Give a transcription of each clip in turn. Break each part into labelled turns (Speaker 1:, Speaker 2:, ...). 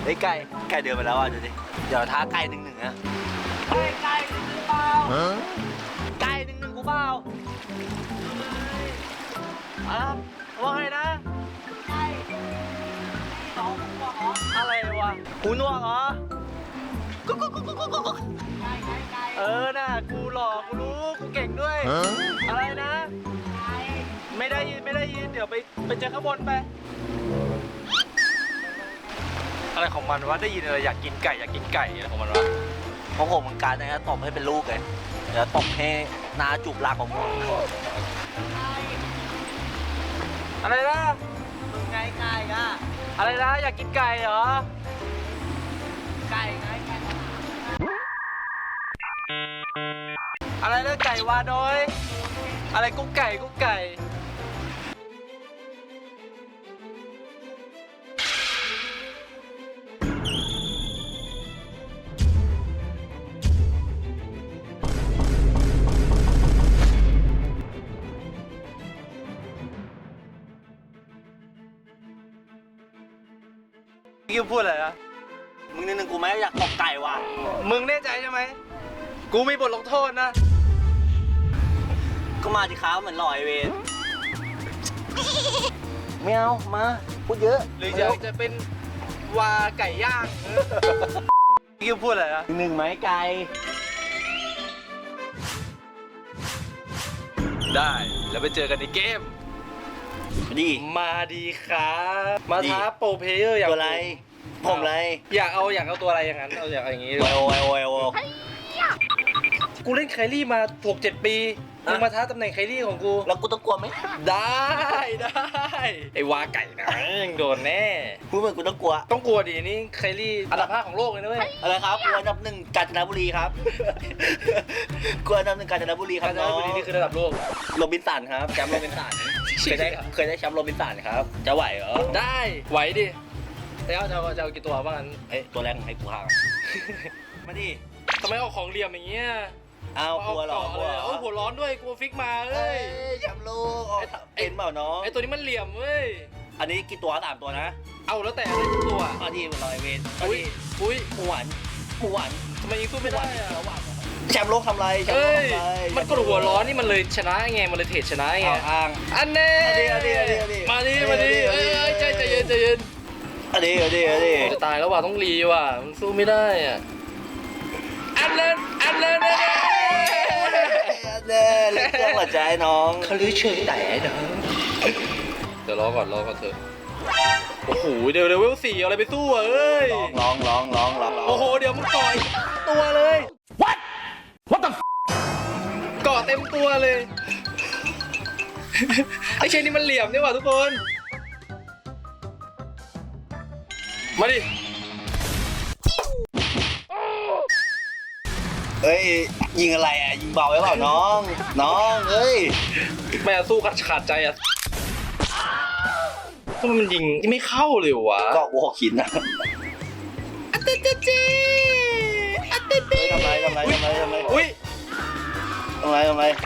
Speaker 1: ฮ้ยไก่เดินไปแล้วอ่ะดูดิเดี๋ยวท้าไก่1-1นะไก่1-1เปล่าไก่1-1กูเปล่าว่าไงนะไก่2หัวเหรออะไรวะหูหนวกเหรอกุ๊กไก่น่ะกูหลอกกูรู้กูเก่งด้วยอะไรนะไม่ได้ยินเดี๋ยวไปเจอข้างบนไปอะไรของมันวะได้ยินอะไรอยากกินไก่อะไรของมันวะเพราะผมมันการนะตบให้เป็นลูกเลยเดี๋ยวตบให้นาจูบลากของมึงอะไรนะมึงไงไก่อะอะไรนะอยากกินไก่เหรอไก่อะไรนะไก่วาดอยอะไรกุ๊กไก่พี่พูดอะไรนะมึงนิดนึงกูไม่อยากตกไก่ว่ะมึงแน่ใจใช่ไหมกูมีบทลงโทษนะก็มาดิครับเหมือนหล่อไอเวนไม่เอามาพูดเยอะหรืออยากจะเป็นวาไก่ย่างพี่พูดอะไรนะ1ไหมไก่ได้แล้วไปเจอกันในเกมดีมาดีครับมาท้าโปรเพลเยอร์อย่างไรผมอะไรอยากเอาตัวอะไรอย่างนั้นเอาอย่างนี้โอกูเล่นไคลี่มา6-7 ปีมึงมาท้าตำแหน่งไคลี่ของกูแล้วกูต้องกลัวไหมได้ไอ้วาไก่นะยังโดนแน่พูดเหมือนกูต้องกลัวดินี่ไคลี่อันดับ5ของโลกเลยนะเว้ยอะไรครับกูอันดับ1กาญจนบุรีครับกูอันดับ1กาญจนบุรีครับกาญจนบุรีนี่คือระดับโลกโรบินสันครับแชมป์โรบินสันเคยได้แชมป์โรบินสันครับจะไหวเหรอได้ไหวดิแล้วจะเอากี่ตัวบ้างงั้นตัวแรกให้กูห่างมาดิทำไมเอาของเหลี่ยมอย่างเงี้ยเอาหัวร้อนหัวร้อนด้วยกลัวฟิกมาเอ้ยแชมป์โลกเป็นเปล่าน้องไอตัวนี้มันเหลี่ยมเว้ยอันนี้กี่ตัว3 ตัวนะเอาแล้วแต่ได้ทุกตัวอันนี้มันลอยเวนอุ้ยหวานทำไมยิงสู้ไม่ได้อะแชมป์โลกทำไรมันกดหัวร้อนนี่มันเลยชนะไงมันเลยเทรดชนะไงอ้างอันนี้มาดิใจเย็นอันนี้จะตายแล้วว่ะต้องรีว่ะมันสู้ไม่ได้อ่ะอันเล่นเล็กเครื่องหัวใจน้องเขาลื้อเชิงแต่น้องเดี๋ยวรอก่อนเถอะโอ้โหเดี๋ยวเวล4อะไรไปสู้อ่ะเอ้ยลองโอ้โหเดี๋ยวมึงต่อยตัวเลย What the เกาะเต็มตัวเลยไอ้เชนนี่มันเหลี่ยมนี่ว่ะทุกคนมาดิเฮ้ยยิงอะไรอ่ะยิงเบาไว้เปล่าน้องเฮ้ยไม่เอาสู้ขาดใจอ่ะทำไมมันยิงไม่เข้าเลยวะก็วอคินนะอัตเตเจทำไรอุ้ยทำไรเอ้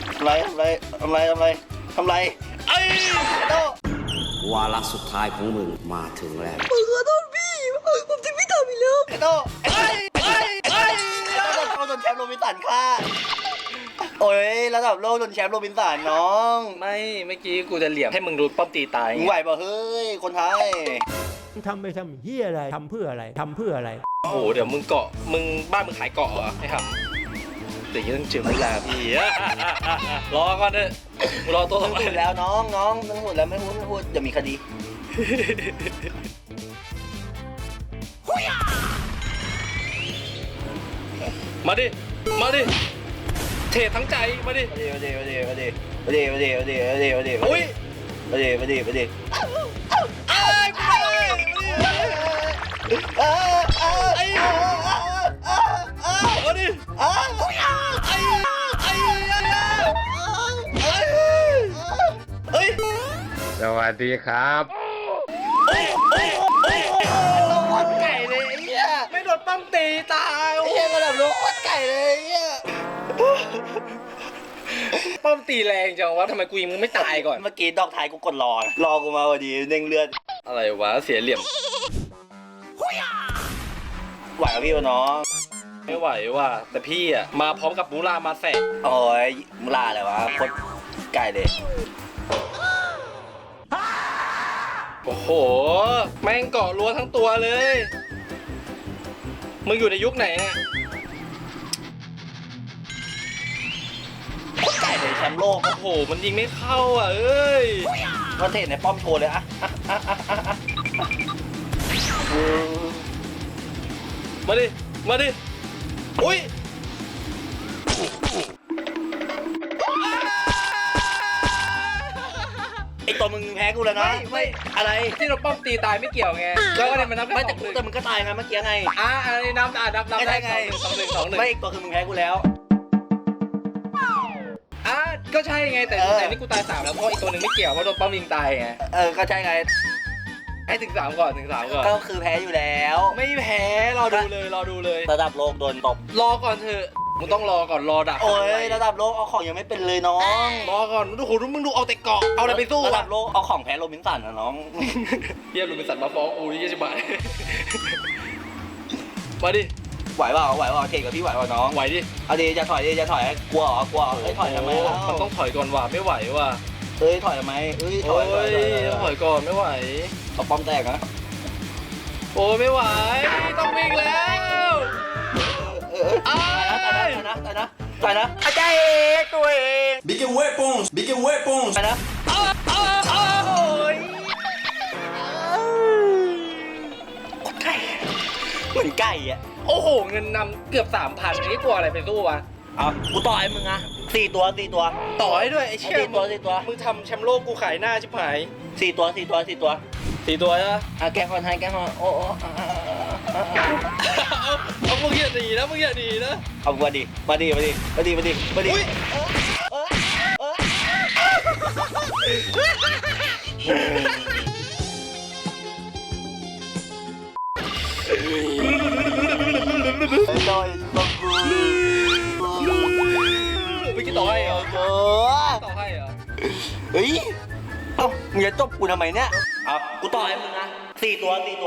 Speaker 1: ยวาระสุดท้ายของมึงมาถึงแล้วขอโทษพี่ผมจะไม่ทำอีกแล้วไอ้โต้โดนแชมป์โรบินสันค่ะโอ้ยระดับโลกโดนแชมป์โรบินสันน้องไม่เมื่อกี้กูจะเหลี่ยมให้มึงรู้ป้อมตีตายมึงไหวป่ะเฮ้ยคนไทย
Speaker 2: ทำไปทำเหี้ยอะไรทำเพื่ออะไร
Speaker 1: โอ้โหเดี๋ยวมึงบ้านมึงขายเกาะเหรอให้ทำแต่ยังต้องเจอเวลาพี่รอก่อนเถอะมึงรอตัวต้องพูดแล้วน้องต้องพูดแล้วไม่พูดจะมีคดีมาดิเททั้งใจมาดิอุ้ยมาดิ
Speaker 2: สวัสดีครับ
Speaker 1: โดนไก่เลยไอ้เหี้ยไม่โดนปั้มตีตายไอ้เหี้ยระดับโดนไก่เลยไอ้เหี้ยป้อมตีแรงจังวะทำไมกูยิงมึงไม่ตายก่อนเมื่อกี้ดอกท้ายกูกดรอกูมาพอดีเด้งเลือดอะไรวะเสียเหลี่ยม
Speaker 3: ไหวกับพี่วะน้อง
Speaker 1: ไม่ไหวว่ะแต่พี่อ่ะมาพร้อมกับมูรามาแสก
Speaker 3: โอ้ยมึงลาอะไรวะโคตรไกลเลย
Speaker 1: โอ้โหแม่งเกาะรั้วทั้งตัวเลยมึงอยู่ในยุคไหนเนี่ย
Speaker 3: โคตรไกลเลยแชมป์โลก
Speaker 1: โอ้โหมันยิงไม่เข้าอ่ะเอ้ย
Speaker 3: ก็เทศในป้อมโชว์เลยอะ
Speaker 1: มาดิมาดิอุ้ย
Speaker 3: ไอตัวมึงแพ้กูแล้วนะ
Speaker 1: ไม่
Speaker 3: อะไร
Speaker 1: ที่เราป้อมตีตายไม่เกี่ยวไงแล้วก็เลยมันนับ
Speaker 3: ไม่
Speaker 1: แค่
Speaker 3: แต่มึงก็ตายไงเมื่อกี้ไง
Speaker 1: อันนี้นับนับ
Speaker 3: ไม่ได้ไง
Speaker 1: สองหนึ่ง
Speaker 3: ไม่อีกตัวคือมึงแพ้กูแล้ว
Speaker 1: ก็ใช่ไงแต่
Speaker 3: เออ
Speaker 1: แต่นี่กูตาย3แล้วเพราะอีกตัวหนึ่งไม่เกี่ยวเพราะโดนป้อมยิงตายไง
Speaker 3: ก็ใช่ไง
Speaker 1: ให้ถึง3ก่อนถึง3ก่อน
Speaker 3: ก็คือแพ้อยู่แล้ว
Speaker 1: ไม่แพ้รอดูเลย
Speaker 3: ระดับโลกโดนตบ
Speaker 1: รอก่อนเถอะมึงต้องรอก่อนรอดัก
Speaker 3: โอ้ยระดับโลกเอาของยังไม่เป็นเลยน้อง
Speaker 1: รอก่อนดูโหมึงดูเอาแต่เกาะเอาอะไรไปสู้
Speaker 3: ระดั
Speaker 1: วะ
Speaker 3: บโลกเอาของแพ้โรบินสันนะน้อง
Speaker 1: เฮียลุงเป็นสัตว์มาฟ้องกูยี่สิบบาทมาดิ
Speaker 3: ไหวเปล่าเทกับพี่ไหวเปล่าน้อง
Speaker 1: ไหวดิ
Speaker 3: เอาดีจะถอยกลัวเหรอกลัวเอ้ยถอยทำไมเล่า
Speaker 1: มันต้องถอยก่อนว่ะไม่ไหวว่ะ
Speaker 3: เอ้ยถอยทำไมเอ้ยถ
Speaker 1: โอ้
Speaker 3: อย
Speaker 1: ยต้องถอยก่อนไม่ไหว
Speaker 3: เอาป้อมแตกนะ
Speaker 1: โอ้ยไม่ไหวต้องวิ่งแล้ว
Speaker 3: ตายนะอาจารย์ตัวเอง
Speaker 4: Big weapons, big weapons.
Speaker 3: ตายนะ
Speaker 1: โอ้ย
Speaker 3: ไก่เหมือนไก่อ่ะ
Speaker 1: โอ้โหเงินนำเกือบ 3,000อันนี้กลัวอะไรไปสู้วะ
Speaker 3: เอากูต่อยมึงอ่ะ4 ตัว
Speaker 1: ต่อให้ด้วยไอ้เชี่ย
Speaker 3: 4 ตัว
Speaker 1: มึงทำแชมป์โลกกูขายหน้าชิบหาย
Speaker 3: 4 ตัว
Speaker 1: 4 ตัวใช่ปะ
Speaker 3: แกคอนให้แกคอนโอ้
Speaker 1: เอามึงอย่าหนีนะมึงอย่าหนีนะ
Speaker 3: เอามาดิอุ๊ยจอยต้องกู
Speaker 1: เมื่อกี้ต่อให้เหรอต่อให้เหรอ
Speaker 3: เฮ้ยเอ้ามึงจะจบกูทำไมเนี่ยเอากูต่อให้มึงนะ4 ตัวอะไรมึง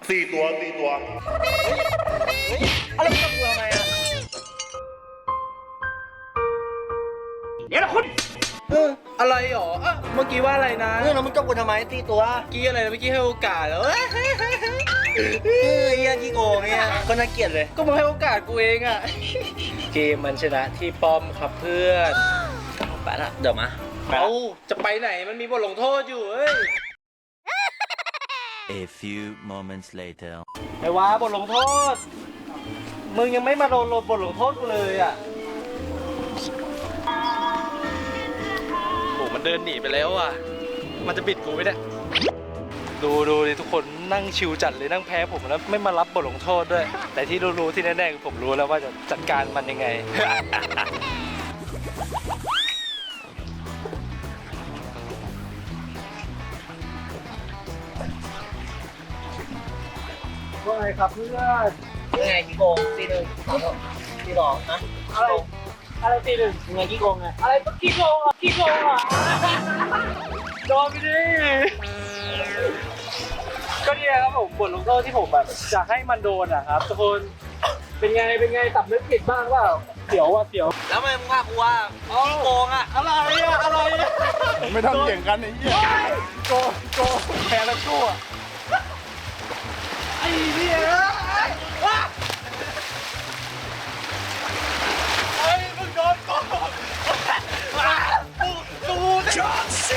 Speaker 3: จบกูทำไมอ่ะเดี๋ยวนะคุณ
Speaker 1: อะไรหรอเมื่อกี้ว่าอะไรนะ
Speaker 3: แล้วมึงจบกูทำไม4 ตัว
Speaker 1: เมื่อกี้อะไรนะเมื่อกี้ให้โอกาสแล้ว
Speaker 3: เฮียขี้โกงเนี่ยก็น่าเกลียดเลย
Speaker 1: ก็มึงให้โอกาสกูเองอะเกมมันชนะที่ป้อมครับเพื่อน
Speaker 3: ไปละเดี๋ยวมา
Speaker 1: เอาจะไปไหนมันมีบทลงโทษอยู่เอ้ย
Speaker 4: A few moments later.
Speaker 1: ไอ้วะบทลงโทษ มึงยังไม่มาโดนบทลงโทษกูเลยอะโหมันเดินหนีไปแล้วอ่ะมันจะบิดกูไหมเนี่ยดูดิทุกคนนั่งชิวจัดเลยนั่งแพ้ผมแล้วไม่มารับบทลงโทษด้วย แต่ที่รู้ที่แน่ๆคือผมรู้แล้วว่าจะจัดการมันยังไง ว่าไงครับเพื่อน
Speaker 3: ยังไงขี้โกงตี 1 ตี 2นะ
Speaker 1: อะไรตีหนึ่ง
Speaker 3: ยังไงขี้โกงไง
Speaker 1: อะไรก็ขี้โกงอ่ะโดนไปดิก็เนี่ยครับผมบทลงโทษที่ผมแบบจะให้มันโดนอะครับทุกคนเป็นไงสำนึกผิดบ้างเปล่าเสียวว่ะเสียว
Speaker 3: แล้วทำไมมึงว่ากูว่าขี้โกงอ่ะ
Speaker 1: อะไรอะ
Speaker 4: ไม่ทำเสียงกันไอ้เหี้ย
Speaker 1: โกงแพ้แล้วกูอะไอ้เนี่ยไอ้มึงโดนโกงกูเนี่ย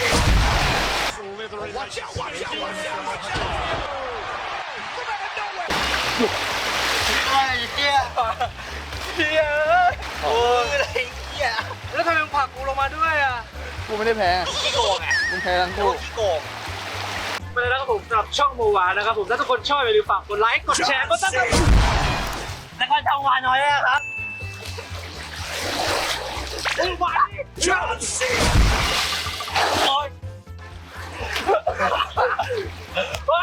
Speaker 3: ไอ้เหี้ย
Speaker 1: เฮีย
Speaker 3: โอ้ยอะไรเหี้ย
Speaker 1: แล้วทำไมมึงผลักกูลงมาด้วยอ่ะ
Speaker 4: กูไม่ได้แพ้
Speaker 3: ขี้โกงอ่ะ
Speaker 4: มึงแพ้ทั้ง
Speaker 3: กู
Speaker 4: คู่
Speaker 3: ขี้โกง
Speaker 1: ไปเลยนะครับผมสำหรับช่องโมวานะครับผมถ้าทุกคนชอบอย่าลืมฝากกดไลค์กดแชร์กดซับสไครบ์
Speaker 3: แล้วก็ช่องวานน้อยนะครับ
Speaker 1: โอ้ยวันโอ้ย